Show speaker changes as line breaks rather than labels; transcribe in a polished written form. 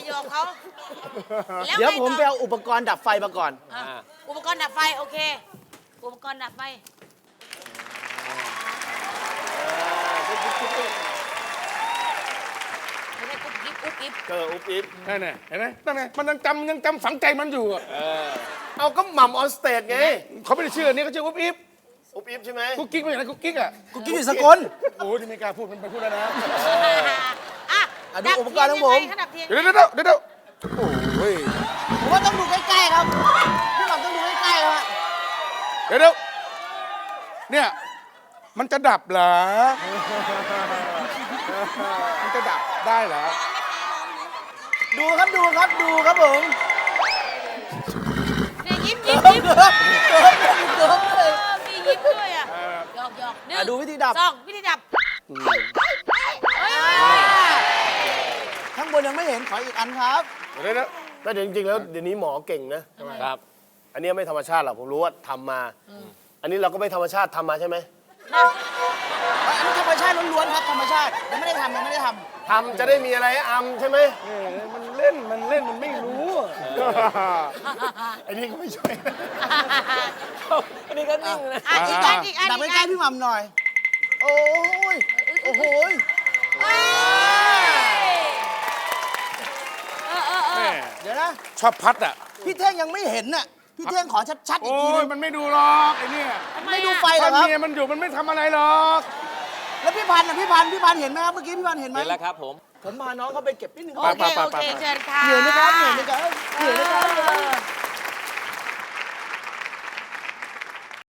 หยอกเขา
เดี๋ยวผมไปเอาอุปกรณ์ดับไฟมาก่อน
อุปกรณ์ดับไฟโอเคอุปกรณ์ดับไฟไม่ได้กุ๊บกิ๊บกุ๊บกิ๊บ
อุบอิบ
นั่นไงเห็นไหมนั่นไงมันยังจำฝังใจมันอยู่อะ
เอาก็หม่ำออนสเตจไง
เขาไม่ได้ชื่ออันนี้เขาชื่ออุ๊บอิ๊บ
อุบอิบใช่ไหม
กุ๊กกิ๊กไม่ใช่นะกุ๊กกิ๊กอ่ะ
กูกินอยู่สกล
โอ้ยนี่ไม่กล้าพูดมันไปพูดแล้วนะ
อ่ะ
ดูอุปกรณ์ของผม
ดับเทียน
เดี๋ยวโอ้ย
ผมว่าต้องดูใกล้ๆครับพี่หม่ำต้องดูใกล้ๆครับ
เดี๋ยวเนี่ยมันจะดับเหรอมันจะดับได้เหรอ
ดูครับผม
เนี่ยยิ้มยิ้ม
เกิ
ยิ้
ม
ม
เกิมเลย
มียิ้มด้วยอ่ะหยอกหยอกหนึ่ง
ดูวิธีดับ
สองวิธีดับเฮ้ย
ข้างบนยังไม่เห็นขออีกอันครับ
เดี๋ยว
แต่จริงๆแล้วเดี๋ยวนี้หมอเก่งนะครับ อันนี้ไม่ธรรมชาติหรอกผมรู้ว่าทำมา อันนี้เราก็ไม่ธรรมชาติทำมาใช่ไหม
อันนี้ธรรมชาติล้วนๆครับธรรมชาติยังไม่ได้ทำ
ทำจะได้มีอะไรให้อำใช่ไหม
มันเล่นมันไม่รู้อะ
อันนี้ก็ไม่ช่วย
อันนี้ก็นิ่งเลย
อีกอันอีกอัน
ดับใกล้ๆพี่หม่ำหน่อย โอ้ยโอ้โหย
แม่
เดี๋ยวนะ
ชอบพัดอ่ะ
พี่เท่งยังไม่เห็นน่ะพี่เท่งขอชัดๆอีก
โอ้
ทีนึ
ย
ง
มันไม่ดูหรอกไอ้เนี่ย
ไม่ดูไฟเหร
ถ้า
อครับ
เมียมันอยู่มันไม่ทำอะไรหรอก
แล้วพี่พันธ์พี่พันธ์เห็นไหมครับเมื่อกี้พี่พันธ์เห็นไหม
เห็นแล้วครับผม
ผมพาน้องเขาไปเกิบนิดนึง
โอเคโอเคเชิญค่ะ
เหนื่อยไหมครับ